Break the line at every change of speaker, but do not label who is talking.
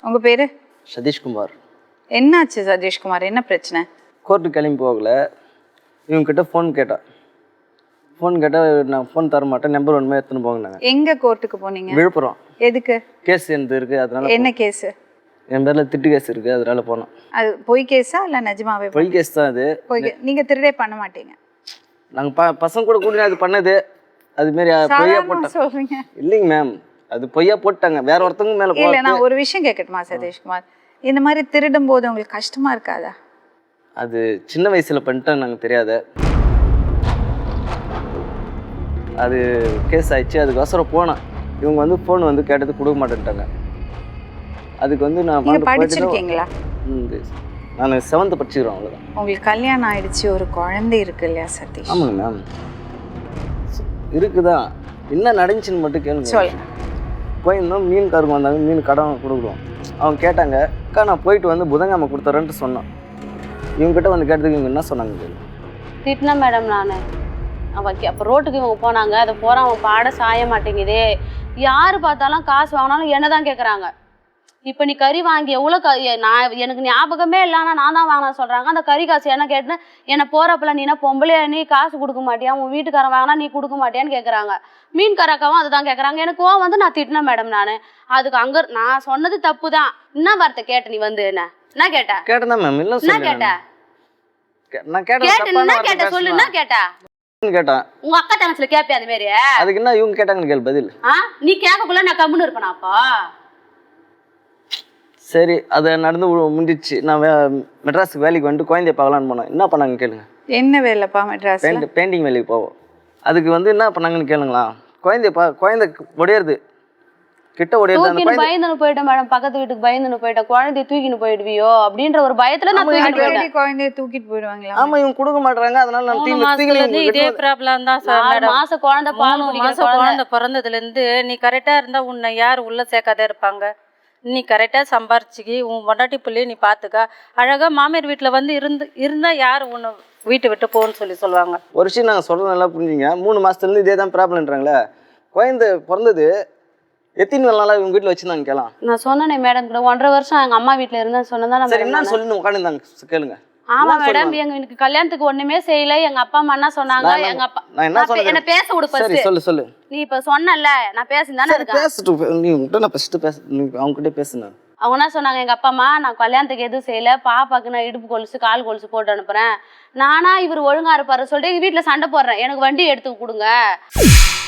உங்க பேரு?
சதீஷ்குமார்.
என்னாச்சு சதீஷ்குமார், என்ன பிரச்சனை?
கோர்ட்டு கிளம்பி போகல, இவங்ககிட்ட ஃபோன் கேட்டேன். நான் ஃபோன் தர மாட்டேன், நம்பர் ஒன்றுமே எடுத்துன்னு போங்கன்னாங்க.
எங்க கோர்ட்டுக்கு போனீங்க?
விழுப்புரம்.
எதுக்கு?
கேஸ் எனக்கு இருக்கு, அதனால.
என்ன கேஸ்?
என் பேர்ல திட்டு கேஸ் இருக்கு, அதனால போனோம்.
அது பொய் கேஸா இல்ல நிஜமாவே?
பொய் கேஸ் தான் அது.
நீங்க திருடே பண்ண மாட்டீங்க.
நாங்க பசங்க கூட கூட்டி அது பண்ணது, அது மாதிரி பொய்யா போட்டாங்க.
சொல்றீங்க?
இல்லைங்க மேம், அது பொய்யா போட்டாங்க, வேற ஒருத்தவங்க மேல.
இல்ல, நான் ஒரு விஷயம் கேட்கட்டுமா சதீஷ்குமார்? இந்த மாதிரி திருடும் போது உங்களுக்கு கஷ்டமா இருக்காதா?
அது சின்ன வயசுல பண்ணிட்டேன், நாங்க தெரியாத. அது கேஸ் ஆயிடுச்சு, அதுக்கோசரம் போனேன். இவங்க வந்து ஃபோன் வந்து கேட்டது கொடுக்க மாட்டேன்ட்டாங்க. அதுக்கு வந்து நான்
படிச்சிருக்கீங்களா?
நான் 7th படிச்சுக்கிறேன், அவ்வளோதான்.
உங்களுக்கு கல்யாணம் ஆயிடுச்சு, ஒரு குழந்தை இருக்கு இல்லையா சதீஷ்?
ஆமாங்க மேம், இருக்குதான். என்ன நடந்துச்சுன்னு மட்டும் கேளுங்க.
சொல்லுங்க.
போயிருந்தோம், மீன்காரங்க வந்தாங்க, மீன் கடன் கொடுக்குறோம். அவங்க கேட்டாங்க, அக்கா நான் போயிட்டு வந்து புதன்கிழமை கொடுத்துறேன்ட்டு சொன்னேன். இவங்ககிட்ட வந்து கேட்டதுக்கு இவங்க என்ன சொன்னாங்க?
திட்டினா மேடம் நான் அப்போ ரோட்டுக்கு இவங்க போனாங்க, அதை போகிறான் அவன் பாட சாய மாட்டேங்குதே, யார் பார்த்தாலும் காசு வாங்கினாலும் என்ன தான் கேட்குறாங்க. இப்போ நீ கறி வாங்கி எவ்வளோ நான் எனக்கு ஞாபகமே இல்லைன்னா நான் தான் வாங்கினா சொல்கிறாங்க. அந்த கறி காசு என்ன கேட்டுன்னு என்னை போகிறப்பல நீ என்ன பொம்பளையா, நீ காசு கொடுக்க மாட்டியா, உன் வீட்டுக்காரன் வாங்கினா நீ கொடுக்க மாட்டியான்னு கேட்குறாங்க. மீன்காரக்காவும் அதுதான் கேட்குறாங்க. எனக்கு வந்து நான் திட்டினேன் மேடம். அதுக்கு அங்கே நான் சொன்னது தப்பு தான். என்ன வார்த்தை கேட்ட நீ வந்து என்ன கேட்டேன்?
கேட்டேன் மேம். இல்லை
என்ன கேட்டேன்?
நான் கேட்டேன்
சொல்லு, என்ன கேட்டா?
கேட்டேன்.
உங்க அக்கா தங்கச்சில கேப்பே அந்த மாதிரி.
அதுக்கு என்ன இவங்க கேட்டாங்கன்னு கேள் பதில்.
நீ கேட்கக்குள்ள நான் கம்முன்னு இருப்பேனா? அப்பா
சரி, அது நடந்து முடிஞ்சிச்சு. நான் மெட்ராஸுக்கு வேலைக்கு வந்துட்டு குழந்தைய பார்க்கலான்னு போனேன். என்ன பண்ணாங்க கேளுங்க.
என்ன வேலைப்பா மெட்ராஸ்?
பெயிண்டிங் வேலைக்கு போவோம். அதுக்கு வந்து என்ன பண்ணாங்கன்னு கேளுங்களா. குழந்தை உடையிறது, கிட்ட உடையிறது.
பயந்துன்னு போயிட்டேன் மேடம், பக்கத்து வீட்டுக்கு பயந்துன்னு போயிட்டேன். குழந்தைய தூக்கின்னு போயிடுவியோ அப்படின்ற ஒரு பயத்துல நான்
குழந்தைய தூக்கிட்டு போயிடுவாங்களா?
ஆமா, இவங்க கொடுக்க மாட்டாங்க, அதனால நான்
இதே ப்ராப்ளம் தான் சார்.
4 மாசம் குழந்தை,
3 மாசம் குழந்தை பிறந்ததுல இருந்து நீ கரெக்டா இருந்தா உன்னை யார் உள்ள சேர்க்காத இருப்பாங்க? நீ கரெக்டாக சம்பாரிச்சிக்கி உன் பொண்டாட்டி பிள்ளைய நீ பார்த்துக்கா. அழகாக மாமியார் வீட்டில் வந்து இருந்தால் யார் உன்னை வீட்டை விட்டு போன்னு சொல்லுவாங்க.
ஒரு விஷயம் நாங்கள் சொல்கிறது நல்லா புரிஞ்சுங்க. 3 மாதத்துலேருந்து இதே தான் ப்ராப்ளம்ன்றாங்களே. குழந்தை பிறந்தது எத்தனை நாளாக இவங்க வீட்டில் வச்சுருந்தாங்க கேளாம்.
நான் சொன்னேனே மேடம் கூட 1.5 வருஷம் எங்கள் அம்மா வீட்டில் இருந்தேன்னு சொன்னதான்.
சரி, என்ன சொல்லி உட்காந்துருந்தாங்க கேளுங்க.
ஆமா மேடம், எனக்கு கல்யாணத்துக்கு ஒண்ணுமே செய்யல. எங்க அப்பா அம்மா என்ன சொன்னாங்க? எங்க அப்பா என்ன பேச விடு.
சொல்லு.
நீ இப்ப சொன்னல, நான் பேசிதானே இருக்கேன்.
நீ உன்கிட்ட நான் ஃபர்ஸ்ட் அவங்க கிட்ட பேசுனேன்.
அவங்க என்ன சொன்னாங்க? எங்க அப்பா அம்மா நான் கல்யாணத்துக்கு எதுவும் செய்யல, பாப்பாக்கு நான் இடுப்பு கொலுசு கால் கொலுசு போட்டு அனுப்புறேன். நானா இவர் ஒழுங்கா இருப்பாரு சொல்லிட்டு வீட்டுல சண்டை போடுறேன். எனக்கு வண்டி எடுத்து கொடுங்க.